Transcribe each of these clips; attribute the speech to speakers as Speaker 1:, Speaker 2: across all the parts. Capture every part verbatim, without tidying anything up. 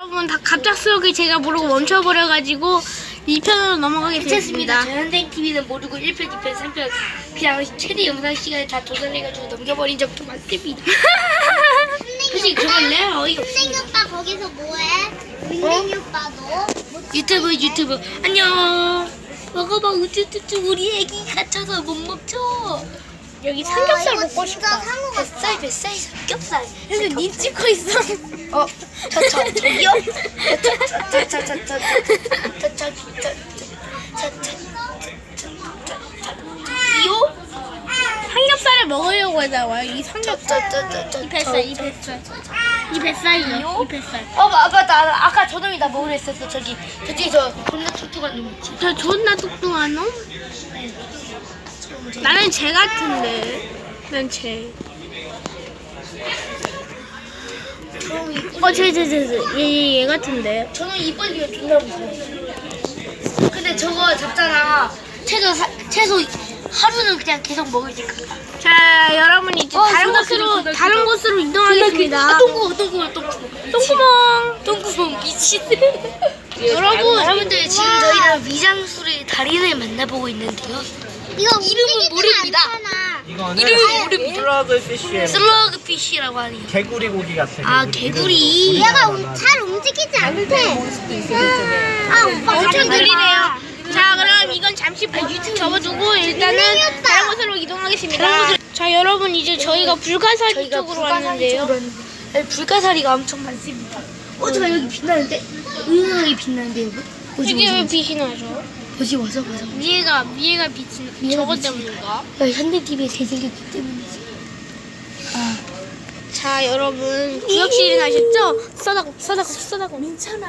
Speaker 1: 여러분 다 갑작스럽게 제가 모르고 멈춰버려가지고 이 편으로 넘어가겠습니다.
Speaker 2: 현대티비는 모르고 일 편, 이 편, 삼 편 그냥 최대 영상 시간을 다 조절해가지고 넘겨버린 적도 많습니다. 사실 그건 내 어이가
Speaker 3: 선생님
Speaker 2: 없습니다.
Speaker 3: 오빠 거기서 뭐해? 민민이 오빠도
Speaker 2: 유튜브 유튜브 안녕. 먹어봐 우쭈쭈쭈 우리 애기 갇혀서 못 먹죠.
Speaker 1: 여기 삼겹살
Speaker 3: 이거
Speaker 1: 먹고
Speaker 3: 진짜
Speaker 1: 싶다.
Speaker 3: 상어 같다.
Speaker 2: 뱃살 뱃살 삼겹살.
Speaker 1: 근데 니 찍고 있어.
Speaker 2: 어, 저, 저, 저기요? 저, 저, 저, 저, 저, 저, 저, 저, 저, 저, 저, 저, 이요?
Speaker 1: 삼겹살을 먹으려고 하다와요. 이 삼겹살.
Speaker 2: 저, 저, 저, 저,
Speaker 1: 이 뱃살, 이 뱃살. 이 뱃살이요. 이 뱃살.
Speaker 2: 어, 마- 맞다. 아까 저놈이 나 먹으려 했었어. 저기, 저기 저 겁나 툭툭한 놈 있지.
Speaker 1: 저 존나 뚱뚱한 놈? 나는 쟤 같은데. 난 쟤.
Speaker 2: 저놈이
Speaker 1: 어, 쟤, 쟤, 쟤, 쟤. 얘, 얘, 얘 같은데.
Speaker 2: 저놈 이빨이 존나 무서워. 근데 저거 잡잖아. 최소 사, 최소 하루는 그냥 계속 먹을 수 있다.
Speaker 1: 자, 여러분 이제
Speaker 2: 어,
Speaker 1: 다른
Speaker 2: 존나
Speaker 1: 곳으로
Speaker 2: 크다, 존나
Speaker 1: 다른
Speaker 2: 크다.
Speaker 1: 곳으로 이동하겠습니다.
Speaker 2: 아, 똥구멍, 똥구멍, 똥구멍.
Speaker 1: 똥구멍.
Speaker 2: 똥구멍 미친.
Speaker 1: 여러분,
Speaker 2: 여러분들 지금 저희는 위장술의 달인을 만나보고 있는데요.
Speaker 3: 이거
Speaker 2: 이름은
Speaker 3: 움직이지가
Speaker 2: 모릅니다.
Speaker 3: 않잖아.
Speaker 4: 이거는
Speaker 2: 이름이 모릅니다.
Speaker 4: 슬러그 피쉬예요.
Speaker 2: 슬러그 피쉬라고 하네요.
Speaker 4: 개구리 고기 같아.
Speaker 2: 아, 개구리.
Speaker 3: 얘가 움- 잘 움직이지 않대. 아 오빠
Speaker 1: 엄청
Speaker 3: 가져가.
Speaker 1: 느리네요. 자, 그럼 이건 잠시 접어두고 일단은
Speaker 3: 민민이 오빠.
Speaker 1: 다른 곳으로 이동하겠습니다. 자, 여러분 이제 저희가 불가사리
Speaker 2: 저희가
Speaker 1: 쪽으로
Speaker 2: 불가사리
Speaker 1: 왔는데요.
Speaker 2: 쪽으로 왔는데 여기 불가사리가 엄청 많습니다. 어, 잠깐 여기 빛나는데? 은은하게 빛나는데 여기? 보지
Speaker 1: 이게 왜
Speaker 2: 보지
Speaker 1: 빛이 나죠?
Speaker 2: 보지 보자 보자.
Speaker 1: 위에가 위에가 빛이
Speaker 2: 위에가
Speaker 1: 저것
Speaker 2: 빛이-
Speaker 1: 때문인가?
Speaker 2: 야, 현대티비에 잘생겼기 때문이지. 아,
Speaker 1: 자, 여러분 구역실이 나셨죠? 써다고 써다고 써다고.
Speaker 5: 괜찮아.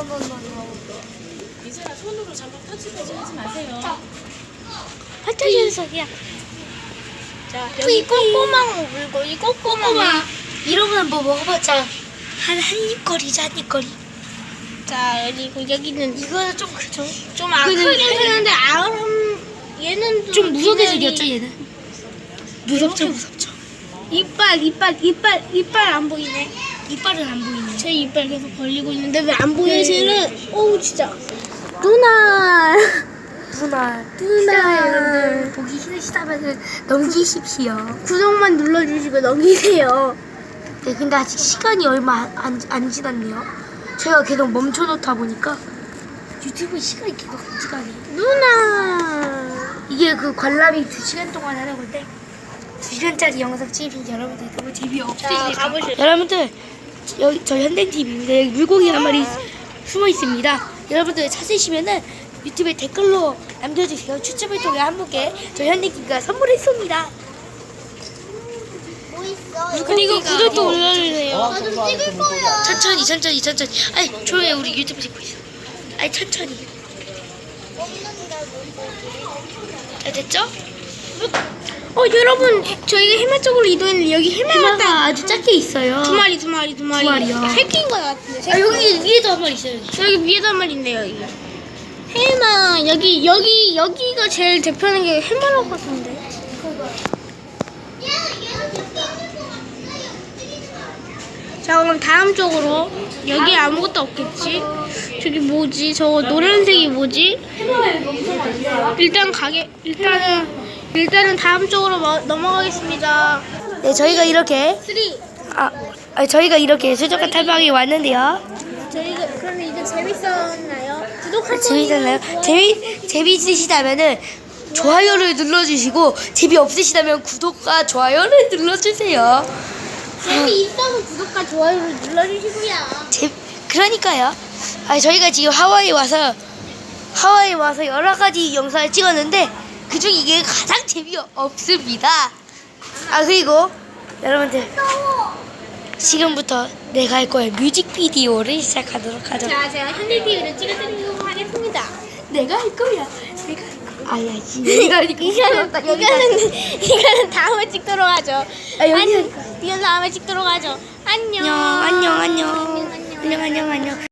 Speaker 5: 이제는 손으로 잠깐 터치까지 하지 마세요.
Speaker 1: 핫하시는 소리야. 자, 여기 꼬꼬망 물고 이 꼬꼬망.
Speaker 2: 이런 건 뭐 먹어봤자 한 한입거리지 한입거리.
Speaker 1: 자, 여기 여기는
Speaker 2: 이거는 좀 그죠?
Speaker 1: 좀 아,
Speaker 2: 이거는
Speaker 1: 크긴
Speaker 2: 한-
Speaker 1: 크는데 아름 얘는
Speaker 2: 좀 무섭게
Speaker 1: 비늘이-
Speaker 2: 생겼죠 얘는? 무섭죠 무섭죠.
Speaker 1: 이빨 이빨 이빨 이빨 안 보이네.
Speaker 2: 이빨은 안 보이네.
Speaker 1: 제 이빨 계속 벌리고 있는데 왜 안 보여 쟤는? 어우 진짜. 누나.
Speaker 2: 누나
Speaker 1: 누나.
Speaker 2: 여러분들 보기 싫으시다면 넘기십시오.
Speaker 1: 구독만 눌러주시고 넘기세요.
Speaker 2: 네, 근데 아직 시간이 얼마 안, 안 지났네요. 제가 계속 멈춰놓다 보니까 유튜브 시간이 계속 안 지나네.
Speaker 1: 누나.
Speaker 2: 이게 그 관람이 두 시간 동안 하는 건데 두 시간짜리 영상 찍으면 여러분들 너무
Speaker 1: 자,
Speaker 2: 재미없으시니까
Speaker 1: 가보실까요?
Speaker 2: 여러분들 여기 저 현대티비입니다. 여기 물고기 한 마리 숨어 있습니다. 여러분들 찾으시면은 유튜브에 댓글로 남겨주세요. 추첨을 통해 한 분께 저 현대티비가 선물했습니다.
Speaker 3: 뭐 있어?
Speaker 1: 그리고 구독도 눌러주세요.
Speaker 3: 나도 찍을 거야.
Speaker 2: 천천히 천천히 천천히. 아니 조용히 우리 유튜브 찍고 있어. 아니 천천히. 잘 됐죠?
Speaker 1: 어 여러분 저희가 해마 쪽으로 이동했는데 여기 해마가
Speaker 2: 해마가
Speaker 1: 딱
Speaker 2: 아주 작게 있어요.
Speaker 1: 두 마리 두 마리 두 마리.
Speaker 2: 두 마리요.
Speaker 1: 새끼인 것 같은데. 새끼.
Speaker 2: 아 여기 위에도 한 마리 있어요.
Speaker 1: 여기 위에도 한 마리 있네요. 여기. 해마 여기 여기 여기가 제일 대표하는 게 해마라고 같은데. 자 그럼 다음 쪽으로 여기 아무것도 없겠지? 저기 뭐지? 저거 노란색이 뭐지? 일단 가게 일단은 일단은 다음 쪽으로 뭐- 넘어가겠습니다.
Speaker 2: 네 저희가 이렇게
Speaker 1: 쓰리.
Speaker 2: 아 아니, 저희가 이렇게 수족관 탐방에 왔는데요.
Speaker 1: 저희가 그러면 이제 재밌었나요? 구독 한
Speaker 2: 재밌었나요?
Speaker 1: 번이요.
Speaker 2: 재미 재미있으시다면은 좋아요를 눌러주시고 재미 없으시다면 구독과 좋아요를 눌러주세요.
Speaker 1: 재미있어서 구독과 좋아요를 눌러주시고요.
Speaker 2: 제, 그러니까요. 아 저희가 지금 하와이 와서 하와이 와서 여러 가지 영상을 찍었는데 그중 이게 가장 재미없습니다. 아 그리고 여러분들 지금부터 내가 할 거야 뮤직비디오를 시작하도록 하죠.
Speaker 1: 자, 제가 현대티비를 찍어드리도록 하겠습니다.
Speaker 2: 내가 할 거야. 내가 할 거야. 아야지. 내가 할 거야.
Speaker 1: 이거는 이거는 이거는 다음에 찍도록 하죠.
Speaker 2: 아, 여기
Speaker 1: 아니,
Speaker 2: 할 거야.
Speaker 1: 이건 다음에 찍도록 하죠. 안녕.
Speaker 2: 안녕 안녕 안녕
Speaker 1: 안녕, 안녕.
Speaker 2: 안녕 안녕 안녕.